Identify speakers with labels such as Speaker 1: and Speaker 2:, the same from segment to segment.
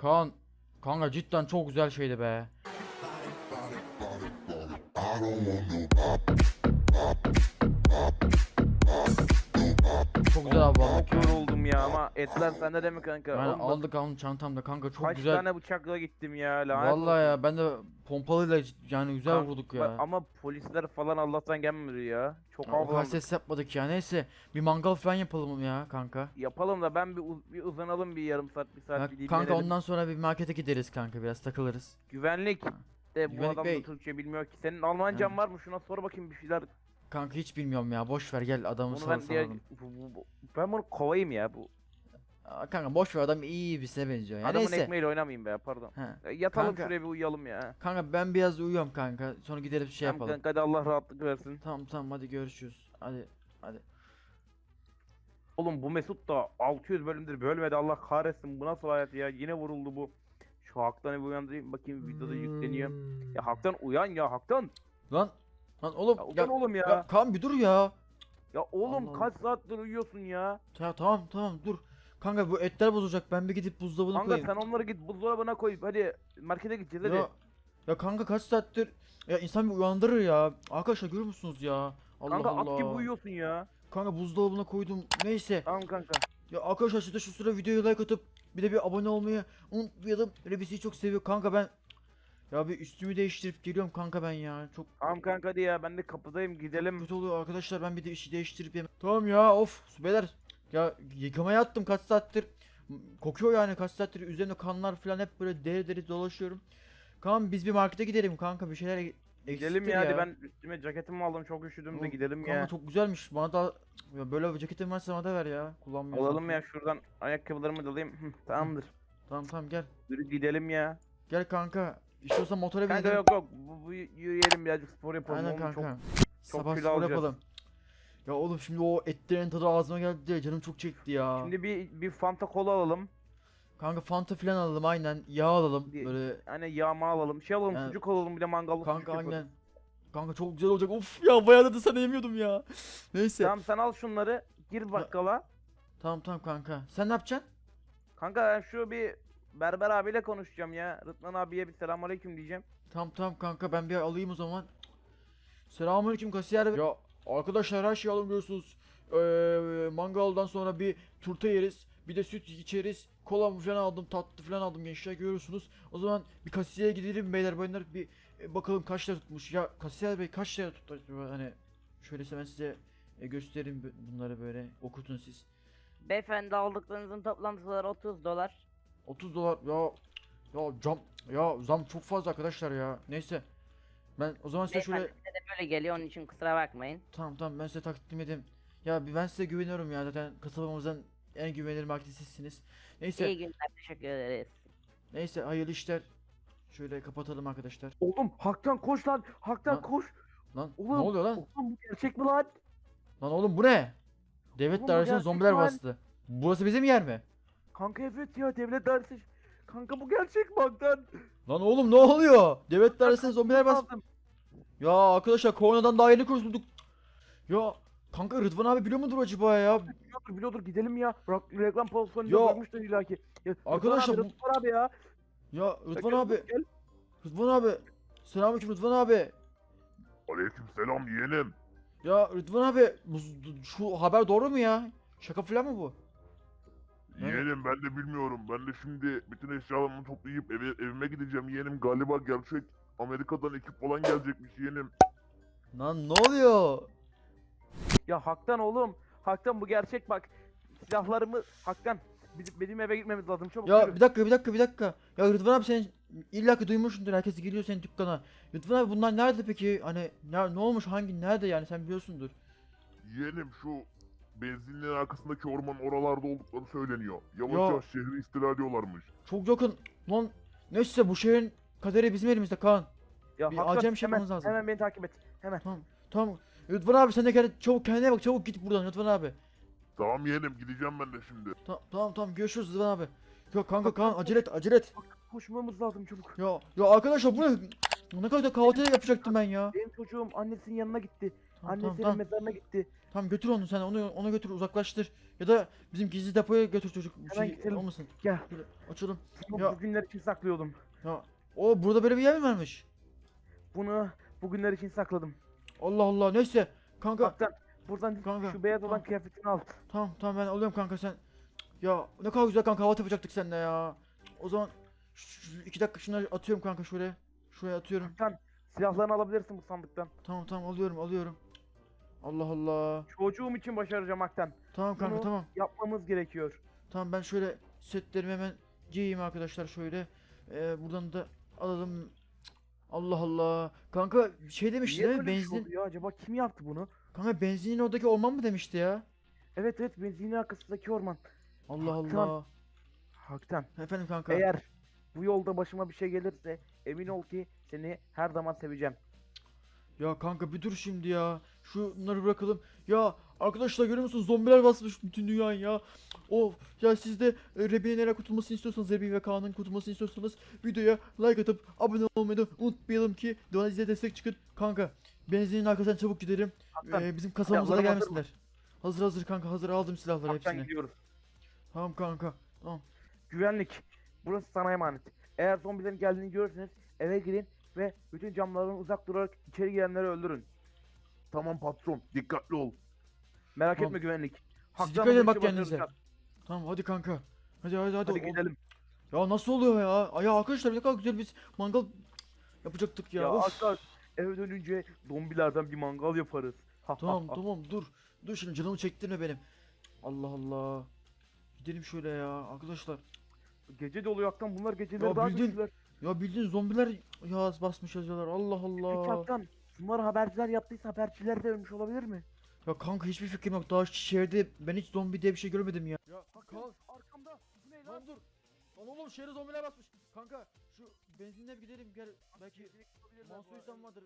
Speaker 1: Kaan, kanka cidden çok güzel şeydi be. Çok güzel abi aldık
Speaker 2: Çok
Speaker 1: ya.
Speaker 2: yoruldum ya ama etler sende de mi kanka?
Speaker 1: Yani
Speaker 2: Oğlum bak,
Speaker 1: aldık alın çantamda kanka çok
Speaker 2: kaç
Speaker 1: güzel.
Speaker 2: tane bıçakla gittim ya, lanet
Speaker 1: Vallahi
Speaker 2: olsun.
Speaker 1: ya ben de pompalıyla yani güzel vurduk
Speaker 2: Bak,
Speaker 1: ya.
Speaker 2: ama polisler falan Allah'tan gelmedi ya. Çok
Speaker 1: Ya o kadar
Speaker 2: avlandık.
Speaker 1: ses yapmadık ya. Neyse bir mangal falan yapalım ya kanka.
Speaker 2: Yapalım da ben bir uzanalım, bir yarım saat, bir saat,
Speaker 1: Ya
Speaker 2: bir
Speaker 1: kanka
Speaker 2: dinlenelim.
Speaker 1: ondan sonra bir markete gideriz kanka, biraz takılırız.
Speaker 2: Güvenlik
Speaker 1: Ha.
Speaker 2: de bu
Speaker 1: Güvenlik
Speaker 2: adam da
Speaker 1: Bey.
Speaker 2: Türkçe bilmiyor ki. Senin
Speaker 1: Ha.
Speaker 2: Almancan var mı? Şuna sor bakayım bir şeyler.
Speaker 1: Kanka hiç bilmiyorum ya, boş ver, gel adamı
Speaker 2: Onu ben diye
Speaker 1: salalım.
Speaker 2: ben bunu kovayım ya bu.
Speaker 1: Aa, kanka boş ver, adam iyi birisine benziyor ya,
Speaker 2: Adamın
Speaker 1: neyse.
Speaker 2: ekmeğiyle oynamayayım be, pardon.
Speaker 1: Ha.
Speaker 2: Yatalım
Speaker 1: Kanka,
Speaker 2: şuraya, bir uyuyalım ya.
Speaker 1: kanka ben biraz uyuyorum kanka, sonra gidelim şey
Speaker 2: Tamam
Speaker 1: yapalım.
Speaker 2: kanka, hadi Allah rahatlık versin.
Speaker 1: Tamam tamam, hadi görüşürüz. Hadi.
Speaker 2: Oğlum bu Mesut da 600 bölümdür bölmedi, Allah kahretsin, bu nasıl hayat ya, yine vuruldu bu. Şu Haktan'ı bir uyandırayım bakayım, videoda yükleniyor. Ya Haktan uyan ya, Haktan.
Speaker 1: Lan lan oğlum
Speaker 2: Ya
Speaker 1: ya,
Speaker 2: uyan oğlum
Speaker 1: ya
Speaker 2: ya.
Speaker 1: Kaan bir dur ya.
Speaker 2: Ya oğlum
Speaker 1: Allah
Speaker 2: kaç saattir uyuyorsun ya.
Speaker 1: Ya tamam tamam dur. Kanka bu etler bozulacak, ben bir gidip buzdolabına
Speaker 2: Kanka
Speaker 1: koyayım.
Speaker 2: sen onları git buzdolabına koy, hadi markete gideceğiz hadi.
Speaker 1: Ya ya kanka kaç saattir ya, insan bir uyandırır ya. Arkadaşlar görüyor musunuz ya? Allah
Speaker 2: Kanka
Speaker 1: Allah.
Speaker 2: at gibi uyuyorsun ya.
Speaker 1: Kanka buzdolabına koydum. Neyse.
Speaker 2: Tamam kanka.
Speaker 1: Ya arkadaşlar siz de şu sıra videoya like atıp bir de bir abone olmayı unutmayalım. Rebisi'yi çok seviyor kanka ben. Ya bir üstümü değiştirip geliyorum kanka ben ya. Çok
Speaker 2: Tamam kanka, hadi ya, ben de kapıdayım, gidelim.
Speaker 1: kötü oluyor arkadaşlar, ben bir de işi değiştirip yem. Tamam ya, of beyler. Ya yıkamaya attım kaç saattir. Kokuyor yani kaç saattir, üzerinde kanlar falan hep böyle deri deri dolaşıyorum. Kanka biz bir markete gidelim kanka, bir şeyler
Speaker 2: Gidelim
Speaker 1: eksiktir
Speaker 2: ya, hadi
Speaker 1: ya.
Speaker 2: ben üstüme ceketimi aldım, çok üşüdüm de
Speaker 1: Oğlum,
Speaker 2: gidelim
Speaker 1: kanka
Speaker 2: ya.
Speaker 1: çok güzelmiş. Bana da ya böyle bir ceketin varsa bana da ver ya. Kullanmıyorsan.
Speaker 2: Alalım ya, şuradan ayakkabılarımı da alayım. Tamamdır.
Speaker 1: Tamam tamam gel.
Speaker 2: Yürü gidelim ya.
Speaker 1: Gel kanka. İstiyorsan motora
Speaker 2: Kanka
Speaker 1: binelim.
Speaker 2: yok yok, bu yürüyelim, birazcık spor yapalım.
Speaker 1: Aynen
Speaker 2: Oğlum
Speaker 1: kanka.
Speaker 2: çok
Speaker 1: Sabah
Speaker 2: kilo
Speaker 1: spor
Speaker 2: alacağız.
Speaker 1: yapalım. Ya oğlum şimdi o etlerin tadı ağzıma geldi de canım çok çekti ya.
Speaker 2: Şimdi bir Fanta kola alalım.
Speaker 1: Kanka Fanta filan alalım, aynen. Yağ alalım
Speaker 2: Bir,
Speaker 1: böyle.
Speaker 2: hani yağma alalım. Şey alalım,
Speaker 1: Yani,
Speaker 2: sucuk alalım, bir de mangallık sucuk
Speaker 1: kanka
Speaker 2: yaparız.
Speaker 1: aynen. Kanka çok güzel olacak. Of ya, bayağı da sana yemiyordum ya. Neyse.
Speaker 2: Tamam, sen al şunları, gir bakkala.
Speaker 1: Tamam tamam kanka. Sen ne yapacaksın?
Speaker 2: Kanka ben şu bir berber abiyle konuşacağım ya. Rıdvan abiye bir selamünaleyküm diyeceğim.
Speaker 1: Tamam tamam kanka, ben bir alayım o zaman. Selamünaleyküm kasiyer. Ya arkadaşlar her şeyi alın görüyorsunuz. Mangaldan sonra bir turta yeriz. Bir de süt içeriz. Kola falan aldım, tatlı falan aldım gençler, görüyorsunuz. O zaman bir kasiyere gidelim beyler bayanlar, bir bakalım kaç lira tutmuş. Ya kasiyer bey kaç lira tuttu acaba? Hani şöyle ben size göstereyim bunları, böyle okutun siz.
Speaker 3: Beyefendi, aldıklarınızın toplam tutarı 30 dolar.
Speaker 1: 30 dolar ya zam çok fazla arkadaşlar ya. Neyse. Ben o zaman size şöyle
Speaker 3: Beyefendi, size de böyle geliyor, onun için kusura bakmayın.
Speaker 1: tamam tamam, ben size takdim edeyim. Ya ben size güveniyorum ya, zaten kasabamızın en güvenilir marketi sizsiniz. Neyse
Speaker 3: İyi günler, teşekkür ederiz.
Speaker 1: neyse, hayırlı işler. Şöyle kapatalım arkadaşlar.
Speaker 2: Oğlum Haktan koş lan. Haktan
Speaker 1: Lan,
Speaker 2: koş.
Speaker 1: Lan
Speaker 2: Oğlum,
Speaker 1: ne oluyor lan?
Speaker 2: Oğlum bu gerçek mi lan?
Speaker 1: Lan oğlum bu ne? Devlet
Speaker 2: Oğlum bu
Speaker 1: dairesine
Speaker 2: gerçek
Speaker 1: zombiler
Speaker 2: lan.
Speaker 1: bastı. Burası bizim yer mi?
Speaker 2: Kanka evet ya, devlet dairesi. Kanka bu gerçek mi Haktan?
Speaker 1: Lan oğlum ne oluyor? Devlet dairesine zombiler bastı.
Speaker 2: Aldım.
Speaker 1: Ya arkadaşlar koronadan daha yeni kurtulduk. Ya kanka Rıdvan abi biliyor mudur acaba ya?
Speaker 2: Biliyordur, gidelim ya. Reklam pozisyonunda
Speaker 1: Ya,
Speaker 2: görmüştür illaki. Ya,
Speaker 1: arkadaşlar bu-
Speaker 2: Rıdvan abi ya.
Speaker 1: Ya Rıdvan
Speaker 2: Gel,
Speaker 1: abi.
Speaker 2: gel.
Speaker 1: Rıdvan abi. Selamünaleyküm Rıdvan abi.
Speaker 4: Aleykümselam yeğenim.
Speaker 1: Ya Rıdvan abi, şu haber doğru mu ya? Şaka falan mı bu? Ne?
Speaker 4: Yeğenim ben de bilmiyorum. Ben de şimdi bütün eşyalarımı toplayıp evime gideceğim yeğenim. Galiba gerçek Amerika'dan ekip falan gelecekmiş yeğenim.
Speaker 1: Lan ne oluyor?
Speaker 2: Ya Haktan oğlum. Haktan bu gerçek bak. Silahlarımı Haktan. Benim eve gitmemiz lazım, çabuk
Speaker 1: Ya
Speaker 2: yürü.
Speaker 1: bir dakika. Ya Rıdvan abi sen illa ki duymuşsundur. Herkes geliyor senin dükkana. Rıdvan abi bunlar nerede peki? Hani ne olmuş, hangi nerede yani, sen biliyorsundur.
Speaker 4: Yeğenim şu benzinliğin arkasındaki ormanın oralarda oldukları söyleniyor. Yavaş
Speaker 1: Ya.
Speaker 4: yavaş şehri istila ediyorlarmış.
Speaker 1: Çok yakın. Lan neyse, bu şehrin kaderi bizim elimizde Kaan.
Speaker 2: Ya
Speaker 1: Bir
Speaker 2: Haktan,
Speaker 1: acem şey
Speaker 2: hemen,
Speaker 1: yapmamız lazım.
Speaker 2: hemen beni takip et. Hemen.
Speaker 1: Tamam. Tamam. Rıdvan abi sen de çabuk kendine bak, çabuk git buradan Rıdvan abi.
Speaker 4: Tamam yeğenim gideceğim ben de şimdi.
Speaker 1: Tamam görüşürüz Rıdvan abi. Ya kanka Kaan, acele et.
Speaker 2: Koşmamız lazım çabuk.
Speaker 1: Ya arkadaşlar bu ne? Ne kadar da kahvaltı yapacaktım ben ya.
Speaker 2: Benim çocuğum annesinin yanına gitti.
Speaker 1: Tamam
Speaker 2: Annesinin
Speaker 1: tamam.
Speaker 2: mezarına gitti.
Speaker 1: Tamam götür onu sen ona götür uzaklaştır. Ya da bizim gizli depoya götür çocuk. Bir
Speaker 2: Hemen
Speaker 1: şey
Speaker 2: gidelim.
Speaker 1: olmasın.
Speaker 2: Gel.
Speaker 1: Böyle açalım.
Speaker 2: Bunu
Speaker 1: Ya.
Speaker 2: bugünler için saklıyordum.
Speaker 1: Ya o burada böyle bir yer mi varmış?
Speaker 2: Bunu bugünler için sakladım.
Speaker 1: Allah Allah neyse. Kanka
Speaker 2: Haktan buradan
Speaker 1: Kanka,
Speaker 2: şu beyaz olan
Speaker 1: tamam.
Speaker 2: kıyafetini al.
Speaker 1: tamam ben alıyorum kanka sen. Ya ne kadar güzel kanka hava yapacaktık seninle ya. O zaman 2 dakika şunları atıyorum kanka şuraya. Şuraya atıyorum.
Speaker 2: Haktan silahlarını alabilirsin bu sandıktan.
Speaker 1: Tamam alıyorum. Allah Allah.
Speaker 2: Çocuğum için başaracağım Haktan.
Speaker 1: Tamam kanka
Speaker 2: Bunu-
Speaker 1: tamam.
Speaker 2: Yapmamız gerekiyor.
Speaker 1: Tamam ben şöyle setlerimi hemen giyeyim arkadaşlar şöyle. Buradan da alalım. Allah Allah. Kanka şey demişti
Speaker 2: Niye
Speaker 1: değil mi?
Speaker 2: böyle bir şey
Speaker 1: Benzin.
Speaker 2: oldu ya? Acaba kim yaptı bunu?
Speaker 1: Kanka benzinin oradaki orman mı demişti ya?
Speaker 2: Evet benzinin arkasındaki orman.
Speaker 1: Allah
Speaker 2: Haktan.
Speaker 1: Allah.
Speaker 2: Haktan.
Speaker 1: Efendim kanka.
Speaker 2: Eğer bu yolda başıma bir şey gelirse emin ol ki seni her zaman seveceğim.
Speaker 1: Ya kanka bir dur şimdi ya. Şunları bırakalım. Ya arkadaşlar görüyor musunuz? Zombiler basmış bütün dünyayı ya. Of ya siz de Rebi'nin neler kurtulmasını istiyorsanız, Rebi ve Kaan'ın kurtulmasını istiyorsanız videoya like atıp abone olmayı da unutmayalım ki bize destek çıkın. Kanka benzinin arkasından çabuk gidelim.
Speaker 2: Haktan.
Speaker 1: Bizim kasabamıza da
Speaker 2: Silahlarım hazır mı?
Speaker 1: gelmesinler. Hazır kanka hazır aldım silahları
Speaker 2: Haktan
Speaker 1: hepsini.
Speaker 2: gidiyoruz.
Speaker 1: Tamam kanka. Tamam.
Speaker 2: Güvenlik. Burası sana emanet. Eğer zombilerin geldiğini görürseniz eve girin ve bütün camlardan uzak durarak içeri girenleri öldürün.
Speaker 4: Tamam patron, dikkatli ol.
Speaker 2: Merak
Speaker 1: Tamam.
Speaker 2: etme güvenlik.
Speaker 1: Siz
Speaker 2: Haktan
Speaker 1: dikkat
Speaker 2: bu
Speaker 1: edin
Speaker 2: işi
Speaker 1: bak kendinize.
Speaker 2: başaracağız.
Speaker 1: Tamam hadi kanka. Hadi.
Speaker 2: Hadi
Speaker 1: O-
Speaker 2: gidelim.
Speaker 1: Ya nasıl oluyor ya? Ya arkadaşlar ne kadar güzel biz mangal yapacaktık ya.
Speaker 2: Ya
Speaker 1: Of.
Speaker 2: Haktan eve dönünce zombilerden bir mangal yaparız.
Speaker 1: Tamam dur. Dur şimdi canımı çektirme benim. Allah Allah. Gidelim şöyle ya arkadaşlar.
Speaker 2: Gece de oluyor Haktan, bunlar geceleri
Speaker 1: Ya
Speaker 2: daha
Speaker 1: bildiğin-
Speaker 2: güçlüler.
Speaker 1: Ya bildiğin zombiler yaz basmış yazıyorlar. Allah
Speaker 2: Peki
Speaker 1: Allah.
Speaker 2: Haktan bunları haberciler yaptıysa haberciler de ölmüş olabilir mi?
Speaker 1: Ya kanka hiçbir fikrim yok. Daha şehirde ben hiç zombi diye bir şey görmedim ya. Ya
Speaker 2: Hakan arkamda. Bu ne lan?
Speaker 1: Lan dur. Lan oğlum şehre zombiler basmış. Kanka şu benzinle bir gidelim gel. Belki Mansur İhsan vardır.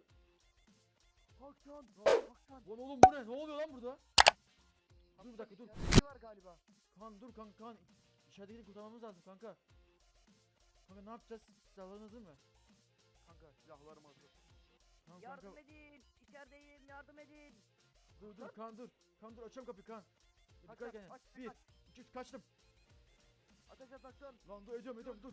Speaker 2: Haktan.
Speaker 1: Lan oğlum bu ne? Ne oluyor lan burada? Dur bir dakika dur.
Speaker 2: Ne var galiba?
Speaker 1: Dur kan. İçeridekini kurtarmamız lazım kanka. Kanka ne yapacağız? Silahların hazır mı?
Speaker 2: Kanka silahlarım hazır.
Speaker 1: Tamam
Speaker 3: Yardım
Speaker 1: kanka.
Speaker 3: edin. İçerideyim yardım edin.
Speaker 1: Dur kan dur. Kan dur açıyorum kapıyı kan. Dikkat
Speaker 2: Aç,
Speaker 1: kendine.
Speaker 2: aç,
Speaker 1: 1
Speaker 2: aç.
Speaker 1: 2 3 kaçtım.
Speaker 2: Ateş et Haktan.
Speaker 1: Lan dur ediyorum dur.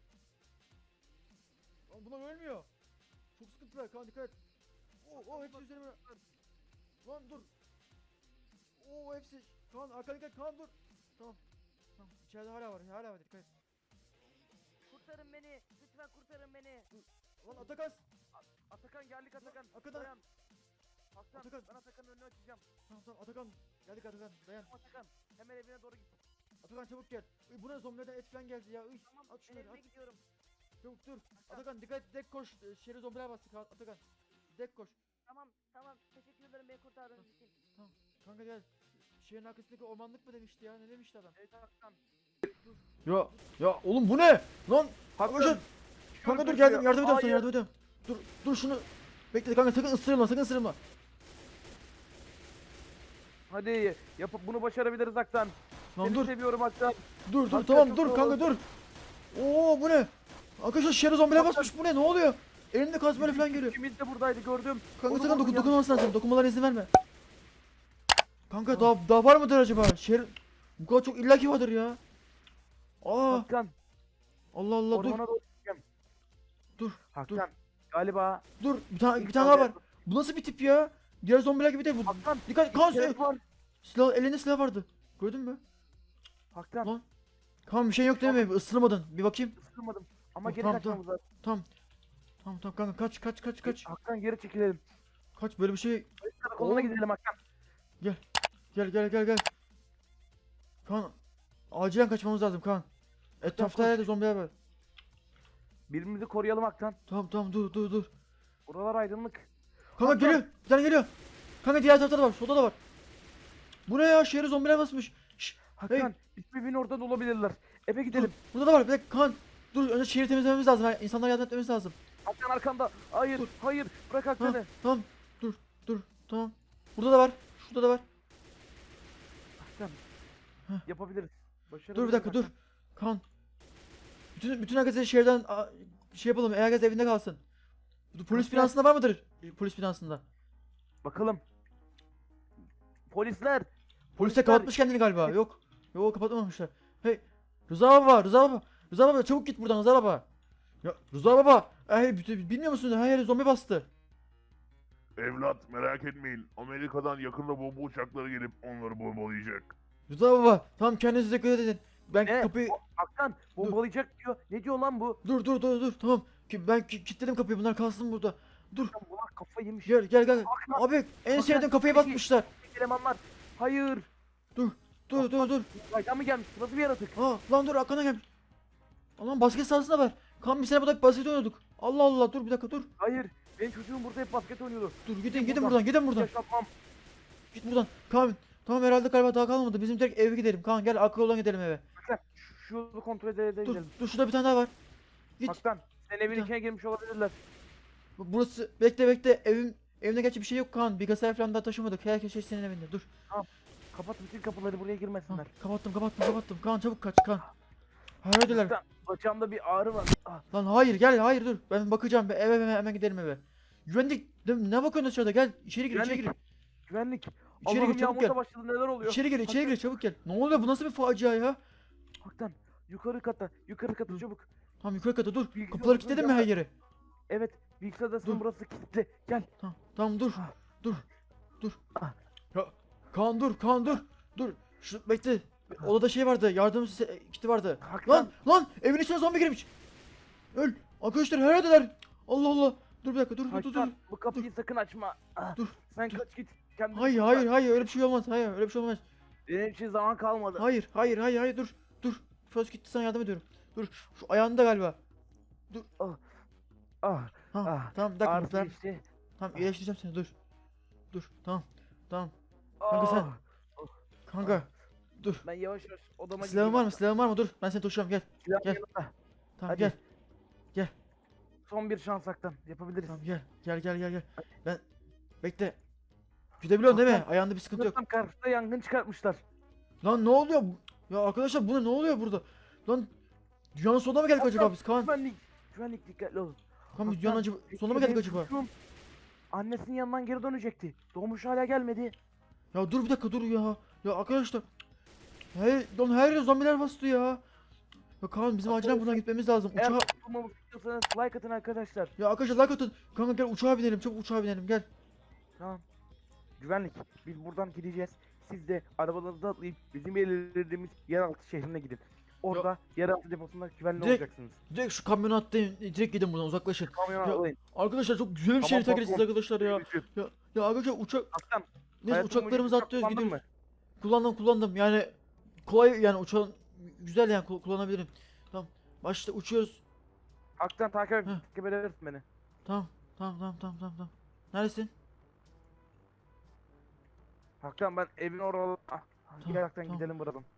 Speaker 1: Lan bunlar ölmüyor. Çok sıkıntılar kan dikkat et. Oo hepsi üzerime. Lan dur. Oo hepsi. Kan arkana dikkat kan dur. Tamam. İçeride hala var dikkat et.
Speaker 3: Kurtarın beni. Lütfen kurtarın beni.
Speaker 1: Lan Atakan.
Speaker 2: Atakan geldik Atakan.
Speaker 1: Atakan.
Speaker 2: Dayan. Haktan
Speaker 1: Atakan.
Speaker 2: ben Atakan'ın önünü açacağım.
Speaker 1: Tamam Atakan. Geldik Atakan dayan.
Speaker 2: Atakan hemen evine doğru git.
Speaker 1: Atakan çabuk gel. Bu ne zombilerden et falan geldi ya.
Speaker 3: Tamam
Speaker 1: At
Speaker 3: ben
Speaker 1: şunları
Speaker 3: evime
Speaker 1: at.
Speaker 3: gidiyorum.
Speaker 1: Çabuk dur. Atakan dikkat et dek koş. Şehre zombiler bastı Atakan. Dek koş.
Speaker 3: Tamam. Teşekkür ederim beni kurtardığınız için.
Speaker 1: Kanka gel. Şehrin arkasındaki ormanlık mı demişti ya? Ne demişti adam?
Speaker 2: Evet Haktan.
Speaker 1: Ya oğlum bu ne? Lan
Speaker 2: Haktan.
Speaker 1: kanka dur geldim yardım ediyorum sana
Speaker 2: Hayır.
Speaker 1: yardım ediyorum. Dur şunu. Bekle kanka sakın ısırma.
Speaker 2: Hadi yapıp bunu başarabiliriz Haktan.
Speaker 1: Lan
Speaker 2: Seni
Speaker 1: dur
Speaker 2: seviyorum Haktan.
Speaker 1: dur
Speaker 2: Hakikaten
Speaker 1: tamam
Speaker 2: çok
Speaker 1: dur
Speaker 2: zor
Speaker 1: kanka
Speaker 2: oldu.
Speaker 1: dur. Oo bu ne? Arkadaşlar şehre zombiler
Speaker 2: Hakikaten-
Speaker 1: basmış bu ne oluyor? Elinde kazmayla falan geliyor.
Speaker 2: İkimiz de buradaydı gördüm.
Speaker 1: Kanka
Speaker 2: Onu
Speaker 1: sakın
Speaker 2: vurdum
Speaker 1: dokunmaması lazım. Dokunmalara izin verme. Kanka
Speaker 2: Tamam.
Speaker 1: daha var mıdır acaba? Şehir bu kadar çok illaki vardır ya.
Speaker 2: Haktan.
Speaker 1: Allah Allah dur.
Speaker 2: Ormana doğru gideceğim.
Speaker 1: Dur,
Speaker 2: Haktan. Galiba
Speaker 1: Dur bir tane daha var. Bu nasıl bir tip ya? Diğer zombiler gibi değil bu.
Speaker 2: Haktan.
Speaker 1: Dikkat kan
Speaker 2: İskelet var.
Speaker 1: elinde silah vardı. Gördün mü?
Speaker 2: Haktan.
Speaker 1: Lan. Kan bir şey yok değil mi? Isırmadın. Bir bakayım.
Speaker 2: Isırmadım. Ama
Speaker 1: Tamam,
Speaker 2: geri
Speaker 1: tamam,
Speaker 2: kaçmamız lazım.
Speaker 1: Tamam kanka kaç.
Speaker 2: Haktan geri çekilelim.
Speaker 1: Kaç böyle bir şey.
Speaker 2: Karakoluna
Speaker 1: Oğlum.
Speaker 2: gidelim Haktan.
Speaker 1: Gel. Kan acilen kaçmamız lazım kan. Etrafta her yerde zombiler var.
Speaker 2: Birbirimizi koruyalım Haktan.
Speaker 1: Tamam dur.
Speaker 2: Buralar aydınlık.
Speaker 1: Kanka
Speaker 2: Hakan.
Speaker 1: geliyor. Bir tane geliyor. Kanka diğer tarafta da var. Solda da var. Bu ne ya? Şehri zombiler basmış. Şşş.
Speaker 2: Haktan. Birbirinin orada da olabilirler. Eve gidelim.
Speaker 1: Burada da var. Bir dakika kan. Dur önce şehri temizlememiz lazım. İnsanlara yardım etmemiz lazım.
Speaker 2: Haktan arkanda. Hayır.
Speaker 1: Dur.
Speaker 2: Hayır. Bırak Haktan'ı.
Speaker 1: Tamam. Dur. Tamam. Burada da var. Şurada da var.
Speaker 2: Haktan.
Speaker 1: Heh.
Speaker 2: Yapabiliriz. Başarabiliriz
Speaker 1: Dur bir dakika dur.
Speaker 2: Haktan.
Speaker 1: Kan. Bütün herkese şehirden şey yapalım. Herkes evinde kalsın. Polis
Speaker 2: Haktan.
Speaker 1: binasında var mıdır? Polis binasında.
Speaker 2: Bakalım. Polisler.
Speaker 1: Polis de kapatmış kendini galiba. Yok. Yok kapatmamışlar. Hey Rıza baba, Rıza baba. Rıza baba çabuk git buradan Rıza baba. Ya Rıza baba. Bilmiyor musun? Her yere zombi bastı.
Speaker 4: Evlat merak etmeyin. Amerika'dan yakında bomba uçakları gelip onları bombalayacak.
Speaker 1: Rıza baba. Tamam kendinize dikkat edin. Ben
Speaker 2: Ne?
Speaker 1: kapıyı...
Speaker 2: Hakan bombalayacak diyor. Ne diyor lan bu?
Speaker 1: Dur. Tamam. Ben kilitledim kapıyı. Bunlar kalsın burada. Dur.
Speaker 2: Hakan bunlar kafayı yemiş.
Speaker 1: Gel.
Speaker 2: Hakan,
Speaker 1: Abi en
Speaker 2: Hakan,
Speaker 1: sevdiğim kafayı
Speaker 2: peki.
Speaker 1: basmışlar.
Speaker 2: elemanlar. Hayır.
Speaker 1: Dur.
Speaker 2: Aydan mı gelmiş? Nasıl bir yaratık?
Speaker 1: Lan dur arkana gel. Lan basket sahasına ver. Kan biz sene burada basket oynuyorduk. Allah Allah dur bir dakika dur.
Speaker 2: Hayır. Benim çocuğum burada hep basket oynuyordu.
Speaker 1: Dur
Speaker 2: Gidin
Speaker 1: gidin
Speaker 2: buradan.
Speaker 1: buradan.
Speaker 2: Yaşatmam.
Speaker 1: Git buradan. Kaan. Tamam herhalde galiba daha kalmadı. Bizim direkt eve gidelim. Kaan gel arka yoldan gidelim eve.
Speaker 2: Hakan şu yolu kontrol edelim.
Speaker 1: Dur şurada bir tane daha var. Git.
Speaker 2: Hakan sen evin
Speaker 1: Hakan.
Speaker 2: içine girmiş olabilirler.
Speaker 1: Burası bekle evimde gerçi bir şey yok Kaan. Bilgisayar falan daha taşımadık. Herkes şey senin evinde. Dur.
Speaker 2: Kapat bütün kapıları buraya
Speaker 1: Ha,
Speaker 2: girmesinler.
Speaker 1: kapattım. Kaan çabuk kaç Kaan. Hayırdılar.
Speaker 2: Hakan bacağımda bir ağrı var. Ah,
Speaker 1: Lan hayır dur. Ben bakacağım. Eve hemen gidelim eve. Güvenlik ne bakıyorsun dışarıda? Gel içeri gir.
Speaker 2: Güvenlik.
Speaker 1: İçeri
Speaker 2: Allah'ım
Speaker 1: gir çabuk
Speaker 2: yağmur
Speaker 1: gel.
Speaker 2: da başladı neler oluyor?
Speaker 1: İçeri gir çabuk gel. Ne oluyor bu nasıl bir facia ya?
Speaker 2: Hakan yukarı kata çabuk.
Speaker 1: Tamam yukarı kata dur.
Speaker 2: Bilgisayar
Speaker 1: Kapıları
Speaker 2: odasına
Speaker 1: kilitledin mi her
Speaker 2: gel.
Speaker 1: yeri?
Speaker 2: Evet bilgisayar odasının
Speaker 1: Dur.
Speaker 2: burası kilitli. Gel.
Speaker 1: Tamam dur.
Speaker 2: Ah.
Speaker 1: Dur.
Speaker 2: Ah.
Speaker 1: Ya Kaan dur. Dur. Şu bekle. Odada şey vardı. Kiti vardı.
Speaker 2: Hakan.
Speaker 1: Lan evin içine zombi girmiş. Öl. Arkadaşlar her yerdeler. Allah Allah. Dur bir dakika dur.
Speaker 2: Hakan bu kapıyı sakın açma. Ah,
Speaker 1: Dur,
Speaker 2: Sen
Speaker 1: dur.
Speaker 2: kaç git. Kendini
Speaker 1: Hayır
Speaker 2: kurtar.
Speaker 1: öyle bir şey olmaz. Hayır öyle bir şey olmaz.
Speaker 2: Benim için zaman kalmadı.
Speaker 1: Hayır dur. First gitti sana yardım ediyorum. Dur. Şu ayağında galiba.
Speaker 2: Ah.
Speaker 1: Ha
Speaker 2: Ah,
Speaker 1: tamam bir dakika.
Speaker 2: Ağrısı
Speaker 1: Tamam,
Speaker 2: geçti.
Speaker 1: tamam iyileştireceğim seni dur. Tamam. Kanka
Speaker 2: Ah,
Speaker 1: sen. Kanka. Dur.
Speaker 2: Ben yavaş odama
Speaker 1: Silahın var mı? Dur. Ben seni taşıyorum gel.
Speaker 2: Silah
Speaker 1: Gel.
Speaker 2: yanımda.
Speaker 1: Tamam
Speaker 2: Hadi.
Speaker 1: gel.
Speaker 2: Son bir şans Hakan. Yapabiliriz.
Speaker 1: Tamam gel. Ben bekle. Gidebiliyorsun değil mi?
Speaker 2: Hakan,
Speaker 1: Ayağında bir sıkıntı yok.
Speaker 2: Tam karşıda yangın çıkartmışlar.
Speaker 1: Lan ne oluyor? Ya arkadaşlar bu ne oluyor burada? Lan dünyanın sonuna mı geldik acaba biz Kaan?
Speaker 2: Güvenlik dikkatli olun.
Speaker 1: Kaan biz dünyanın sonuna mı
Speaker 2: Peki,
Speaker 1: geldik
Speaker 2: benim
Speaker 1: acaba?
Speaker 2: çocuğum Annesinin yanından geri dönecekti. Doğmuş hala gelmedi.
Speaker 1: Ya dur bir dakika dur ya. Ya arkadaşlar. Her yere zombiler bastı ya. Ya Kaan bizim acilen buradan gitmemiz lazım.
Speaker 2: Eğer
Speaker 1: Uçağa...
Speaker 2: kurtulmamızı istiyorsanız like atın arkadaşlar.
Speaker 1: Ya arkadaşlar like atın. Kanka gel uçağa binelim. Çabuk uçağa binelim gel.
Speaker 2: Tamam. Güvenlik. Biz buradan gideceğiz. Siz de arabalarınızı atlayıp bizim belirlediğimiz yeraltı şehrine gidin. Orada yeraltı deposunda güvenli
Speaker 1: Direkt-
Speaker 2: olacaksınız.
Speaker 1: Direkt şu kamyona atlayın. Direkt gidin buradan uzaklaşın.
Speaker 2: Kamyona
Speaker 1: Ya,
Speaker 2: atlayın.
Speaker 1: Arkadaşlar çok güzel bir
Speaker 2: Tamam,
Speaker 1: şehir terk
Speaker 2: patron.
Speaker 1: edeceğiz arkadaşlar ya.
Speaker 2: Görüşürüz.
Speaker 1: Ya arkadaşlar
Speaker 2: Hakan.
Speaker 1: neyse
Speaker 2: hayatın
Speaker 1: uçaklarımızı
Speaker 2: boyunca
Speaker 1: atlıyoruz
Speaker 2: kullandın
Speaker 1: gidiyoruz.
Speaker 2: mı?
Speaker 1: Kullandım yani kolay yani uçağın güzel yani kullanabilirim. Tamam başta uçuyoruz.
Speaker 2: Hakan takip
Speaker 1: Heh.
Speaker 2: edebilirsin beni.
Speaker 1: Tamam. Neredesin?
Speaker 2: Hakan ben evin orada... Ah,
Speaker 1: Tamam,
Speaker 2: gel Hakan
Speaker 1: tamam.
Speaker 2: gidelim buradan.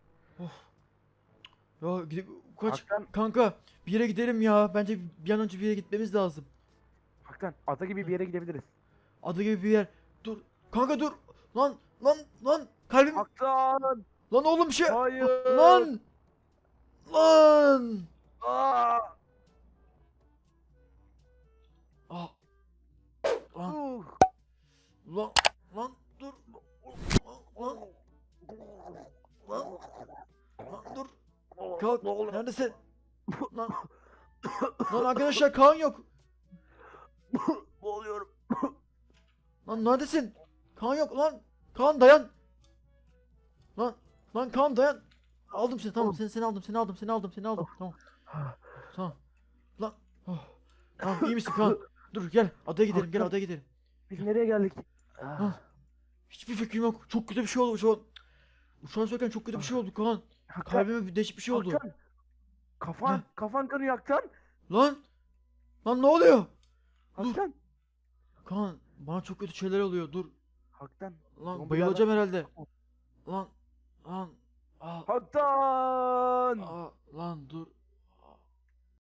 Speaker 1: Ya gidip kaç
Speaker 2: Hakan,
Speaker 1: kanka bir yere gidelim ya. Bence bir an önce bir yere gitmemiz lazım.
Speaker 2: Hakan ada gibi bir yere gidebiliriz.
Speaker 1: Adı gibi bir yer. Dur. Kanka dur. Lan kalbim.
Speaker 2: Hakan!
Speaker 1: Lan oğlum bir şey.
Speaker 2: Hayır!
Speaker 1: Lan.
Speaker 2: Aa!
Speaker 1: Ah. Lan.
Speaker 2: Uh!
Speaker 1: Lan dur. Lan. Dur. Kalk. Neredesin? Lan. Lan arkadaşlar Kaan yok.
Speaker 2: Boğuluyorum.
Speaker 1: Lan neredesin? Kaan yok lan. Kaan dayan. Lan Kaan dayan. Aldım seni tamam seni aldım. Tamam. Tamam. Lan. Oh. Tamam iyi misin Kaan? Dur gel adaya gidelim.
Speaker 2: Biz nereye geldik?
Speaker 1: Ah. Hiçbir fikrim yok. Çok kötü bir şey oldu şu an. Uçağa sürerken çok kötü bir şey oldu Kaan.
Speaker 2: Hakan,
Speaker 1: Kalbime bir değişik bir şey oldu.
Speaker 2: Hakan. Kafan kanıyor Hakan.
Speaker 1: Lan ne oluyor? Dur.
Speaker 2: Hakan.
Speaker 1: Kaan bana çok kötü şeyler oluyor. Dur.
Speaker 2: Hakan.
Speaker 1: Lan
Speaker 2: Zombiler
Speaker 1: bayılacağım
Speaker 2: var.
Speaker 1: herhalde. Lan. Aa,
Speaker 2: Hakan.
Speaker 1: lan dur.